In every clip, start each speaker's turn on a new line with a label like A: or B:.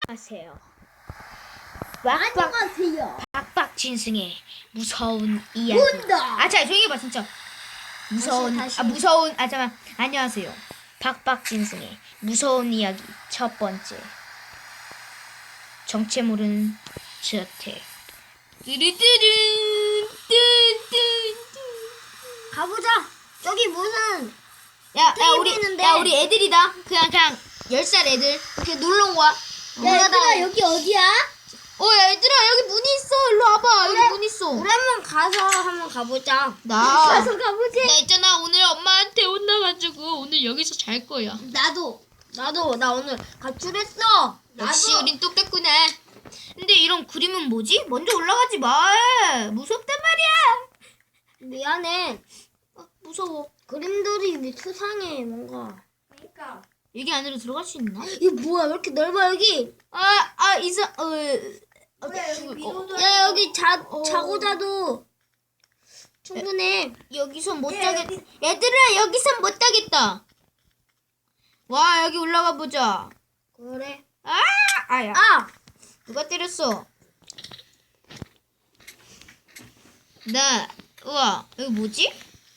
A: 하세요.
B: 안녕하세요.
A: 박박진승의 무서운 이야기.
B: 문다.
A: 자, 조용히 해봐 진짜.
B: 다시.
A: 잠깐. 안녕하세요. 박박진승의 무서운 이야기 첫 번째. 정체 모르는 저택. 뚜루뚜룬
B: 가보자. 여기 무슨
A: 우리 애들이다. 그냥 10살 애들 이렇게 놀러 온 거야.
B: 얘들아 여기 어디야?
A: 얘들아 여기 문이 있어. 일로 와봐. 여기 문 있어.
B: 우리 한번 가보자.
A: 나
B: 가보지.
A: 나 있잖아. 오늘 엄마한테 혼나가지고 오늘 여기서 잘 거야.
B: 나도 나 오늘 가출했어.
A: 역시 우린 똑같구나. 근데 이런 그림은 뭐지? 먼저 올라가지 마. 무섭단 말이야.
B: 미안해.
A: 무서워.
B: 그림들이 수상해 뭔가. 그러니까.
A: 여기 안으로 들어갈 수 있나?
B: 이게 뭐야? 왜 이렇게 넓어 여기?
A: 죽을 거.
B: 야 여기 자고 자도 충분해.
A: 여기서 못 자겠. 얘들아 여기서 못 자겠다. 와 여기 올라가 보자.
B: 그래.
A: 아야.
B: 아!
A: 누가 때렸어? 우와 여기 뭐지?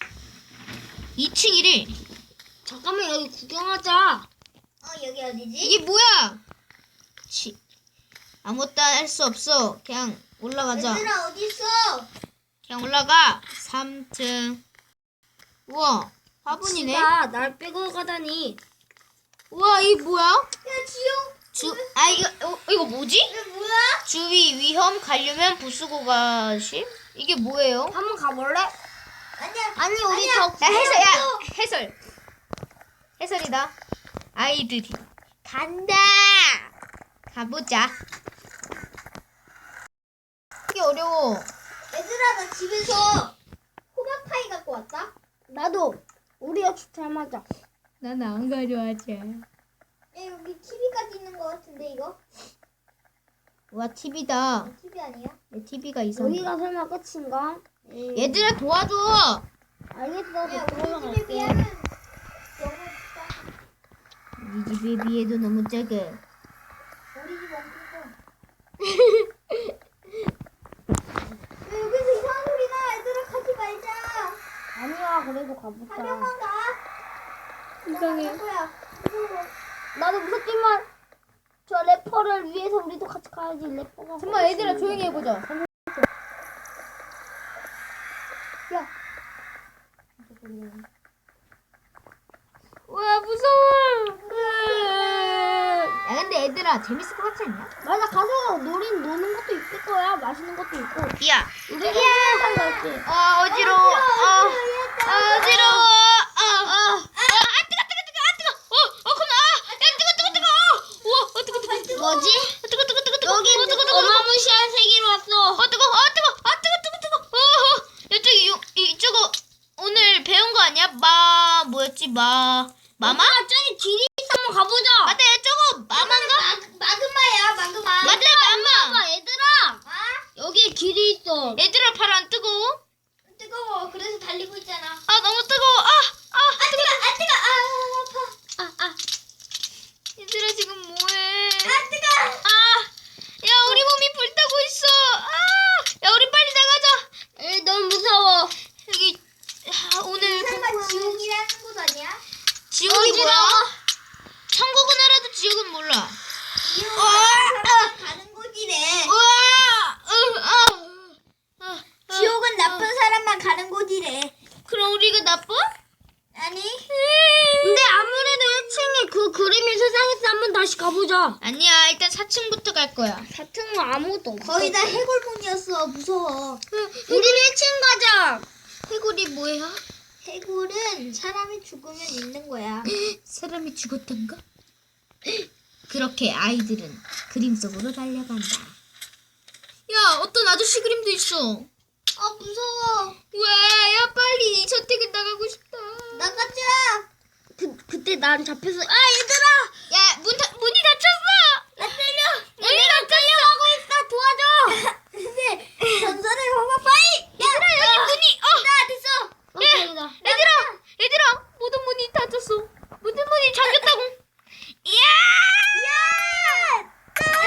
A: 2층이래.
B: 잠깐만 여기 구경하자.
C: 여기 어디지?
A: 이게 뭐야? 아무것도 할 수 없어. 그냥 올라가자.
C: 얘들아 어딨어?
A: 그냥 올라가. 3층. 우와 화분이네.
B: 지가 날 빼고 가다니.
A: 우와 이게 뭐야?
C: 야 지용
A: 이거 뭐지?
C: 이게 뭐야?
A: 주위 위험 가려면 부수고 가심? 이게 뭐예요?
B: 한번 가볼래?
C: 아니야.
B: 아니 우리
C: 아니야.
A: 해설이다. 아이들이 간다. 가보자. 이게 어려워.
C: 얘들아 나 집에서 호박파이 갖고 왔다.
B: 나도. 우리 역시 잘 맞아.
A: 난 안 가져왔지.
C: 야 여기 TV까지 있는 거 같은데 이거?
A: 와 TV다.
C: TV 아니야?
A: 내 TV가 이상해.
B: 여기가 설마 끝인가?
A: 얘들아 도와줘.
B: 알겠어.
C: 야
B: 너 들어가
C: 우리 집에
B: 갈게.
C: 비하면 너무 작아.
A: 네 집에 비해도 너무 작아.
C: 우리 집 엄청 커. 야 여기서 이상한 소리 나. 얘들아 가지 말자.
B: 아니야 그래도 가보자.
C: 한명만 가.
A: 이상해.
C: 거야. 무서워.
B: 나도 무섭지만 저 래퍼를 위해서 우리도 같이 가야지. 래퍼가.
A: 잠깐만 얘들아 조용히 해보자.
B: 야.
A: 와 무서워. 야 근데 얘들아 재밌을 것 같지 않냐?
B: 맞아 가서 노는 것도 있을 거야. 맛있는 것도 있고.
A: 야.
B: 우리 항상 갈게.
A: 어지러워. 어지러워.
B: 뭐지?
A: 뜨거.
B: 여기 어마무시한 세계로 왔어.
A: 이쪽은 오늘 배운 거 아니야? 뭐였지? 마마?
B: 저기 길이 있어. 한번 가보자.
A: 맞다, 저거 마마인가?
C: 마그마야 마그마.
A: 맞다, 마마.
B: 얘들아. 여기 길이 있어.
A: 얘들아, 팔 안 뜨거워?
C: 뜨거워. 그래서 달리고 있잖아.
A: 너무 뜨거워.
C: 아파.
A: 얘들아, 지금 뭐해?
C: 뜨거.
A: 야, 우리 몸이 불타고 있어. 야, 우리 빨리 나가자.
B: 너무 무서워.
A: 여기, 오늘
C: 설마 지옥이라는 곳 아니야?
A: 지옥이 뭐야? 천국은 알아도 지옥은 몰라.
C: 지옥은 사람 가는 곳이래. 지옥은 나쁜 사람만 가는 곳이래.
A: 그럼 우리가 나빠?
C: 아니?
B: 근데 아무래도 1층에 그 그림이 세상에서 한번 다시 가보자.
A: 아니야, 일단 4층부터 갈 거야.
B: 4층은 아무것도 없어.
C: 거의 다 해골문이었어. 무서워.
B: 우리는 1층 가자.
A: 해골이 뭐야?
C: 해골은 사람이 죽으면 있는 거야.
A: 사람이 죽었던가? 그렇게 아이들은 그림 속으로 달려간다. 야, 어떤 아저씨 그림도 있어.
C: 무서워.
A: 왜? 야, 빨리 이 저택에 나가고 싶다.
C: 나가자.
B: 그때 난 잡혀서 얘들아.
A: 야, 문이 닫혔어.
C: 나 때려.
A: 문이 닫혔어.
B: 하고 있다. 도와줘.
C: 근데 전설의 호박파이.
A: 얘들아, 여기 문이.
C: 나 됐어.
B: 다행이다.
A: 얘들아, 모든 문이 닫혔어. 모든 문이 잠겼다고. 이야!
C: 야!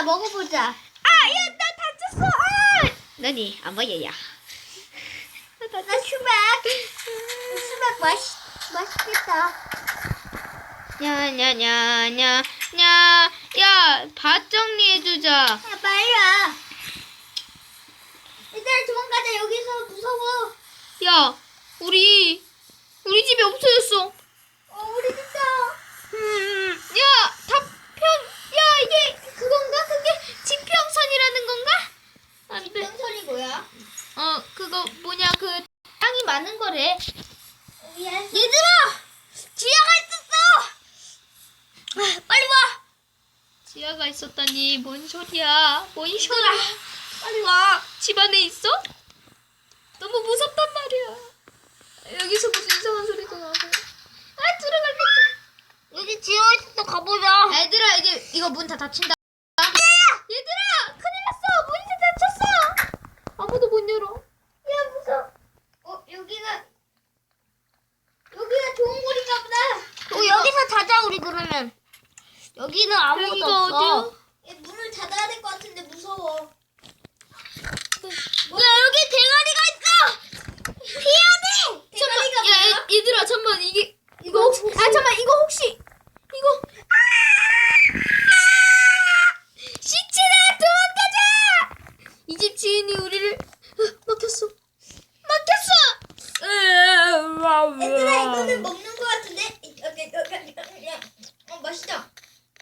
B: 먹어보자.
A: 야, 나 다쳤어. 아! 너니 안 보여요.
C: 나 수박 맛있겠다.
A: 냐냐냐냐냐. 야, 밭 정리해주자.
C: 야, 빨리 와. 얘들아, 도망가자. 여기서 무서워.
A: 야, 우리 집이 없어졌어.
C: 우리 집도.
A: 야, 야, 이게 그건가? 그게 지평선이라는 건가? 안 돼.
C: 소리 뭐야?
A: 그거 뭐냐, 그 땅이 많은 거래.
C: 미안.
B: 얘들아! 지하가 있었어! 빨리 와!
A: 지하가 있었다니, 뭔 소리야? 뭔 소리야?
B: 빨리 와!
A: 집 안에 있어? 너무 무섭단 말이야. 여기서 무슨 이상한 소리가 나고. 들어갈겠다.
B: 여기 지하가 있었어. 가보자.
A: 얘들아, 이제 이거 문 다 닫힌다. 얘들아, 큰일 났어. 문이 다 닫혔어. 아무도 못 열어.
C: 야, 무서워. 여기가 좋은 곳인가 보다.
B: 여기서 자자, 우리 그러면. 여기는 아무것도
A: 여기가
B: 없어.
A: 어디야?
C: 얘 문을 닫아야 될 것 같은데 무서워.
B: 야, 여기 대가리가 있어! 피해야 돼!
C: 대가리가 뭐야?
A: 얘들아, 잠깐만, 이거 혹시, 잠깐만, 이거 혹시, 이거. 시체다! 도망가자! 이 집 주인이 우리를 막혔어.
C: 얘들아, 이거는 먹는 것 같은데? 맛있다.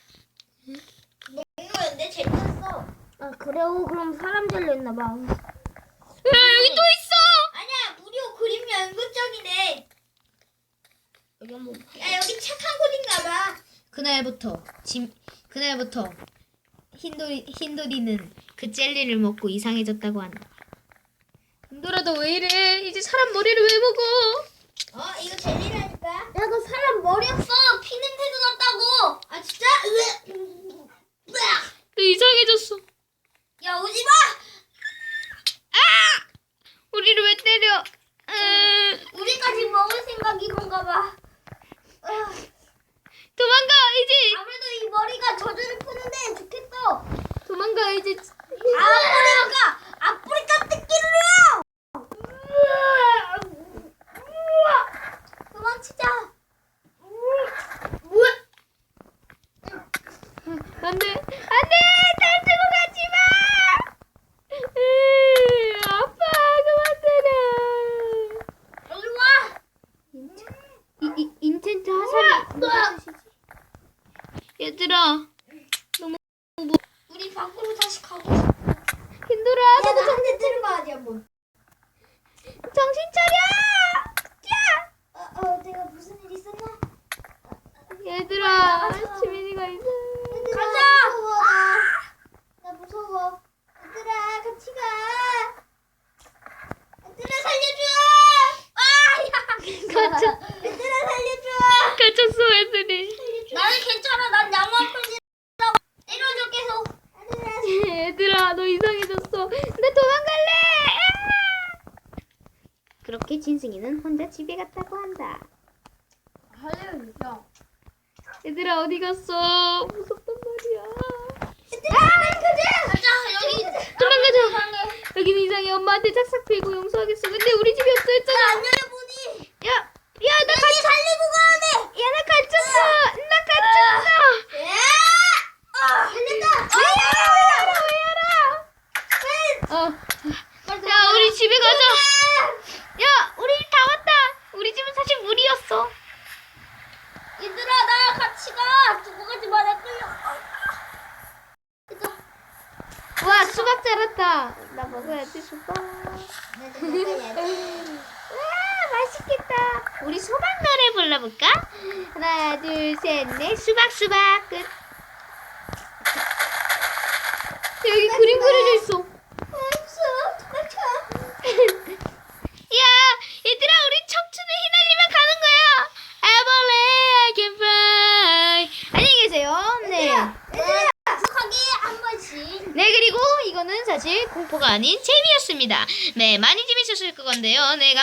C: 먹는 거였는데 재밌었어.
B: 아, 그래요? 그럼 사람 잘렸나봐.
A: 여기 또 있어!
C: 아니야, 무료 그림 연구장이네.
B: 여기 한번.
C: 야, 여기 착한 곳인가 봐.
A: 그날부터 흰돌이는 그 젤리를 먹고 이상해졌다고 한다. 흰돌아, 너 왜 이래? 이제 사람 머리를 왜 먹어?
C: 이거 젤리라니까.
B: 야, 그 사람 머리 없어! 피 냄새도 났다고!
C: 아, 진짜?
A: 너 이상해졌어.
C: 야, 오지 마!
A: 우리를 왜 때려?
B: 우리까지 먹을 생각인 건가 봐.
A: 도망가, 이제.
B: 아무래도 이 머리가 저주를 푸는데 좋겠어.
A: 도망가, 이제.
B: 아프리카 뜯기를요!
C: 도망치자.
A: 안 돼, 날 두고 가지 마! 아빠, 그만 때려.
B: 여기 와!
A: 인텐트 하산이. 얘들아,
C: 우리 밖으로 다시 가고 싶어.
A: 힘들어.
C: 야, 나 한대 들어봐야지, 한번.
A: 정신 차려!
C: 내가 무슨 일 있었나?
A: 얘들아, 지민이가 있어.
C: 얘들아,
B: 가자!
C: 무서워, 나 무서워. 얘들아, 같이 가. 얘들아, 살려줘!
A: 갇혔어,
C: 얘들아, 살려줘!
A: 애들이.
B: 나는 괜찮아. 난 양호한 편이라고. 때려줘, 계속.
A: 얘들아, 너 이상해졌어. 나 도망갈래! 그렇게 진승이는 혼자 집에 갔다고 한다. 얘들아, 어디 갔어? 무섭단 말이야.
B: 가자, 여기.
A: 도망가자. 여기는 이상해. 엄마한테 짝싹 빌고 용서하겠어. 근데 우리 집이 없어 했잖아.
B: 안 열어보니.
A: 야, 나
B: 살리고 가야 돼!
A: 야, 나 갇혔어.
C: 살렸다!
A: 야, 우리 집에 가자. 야, 우리 집 다 왔다. 우리 집은 사실 물이었어.
B: 얘들아, 나 같이 가! 두고 가지 마, 나 끌려.
A: 와, 수박 자랐다. 나 먹어야지, 수박. 맛있겠다. 우리 수박 노래 불러볼까? 하나, 둘, 셋, 넷. 수박 끝. 여기 그림 그려져 있어. 야, 얘들아, 우리 척추는 휘날리면 가는 거야. I can fly. 안녕히 계세요. 네.
B: 하기 한 번씩.
A: 네, 그리고 이거는 사실 공포가 아닌 재미였습니다. 네, 많이 재밌었을 건데요. 네,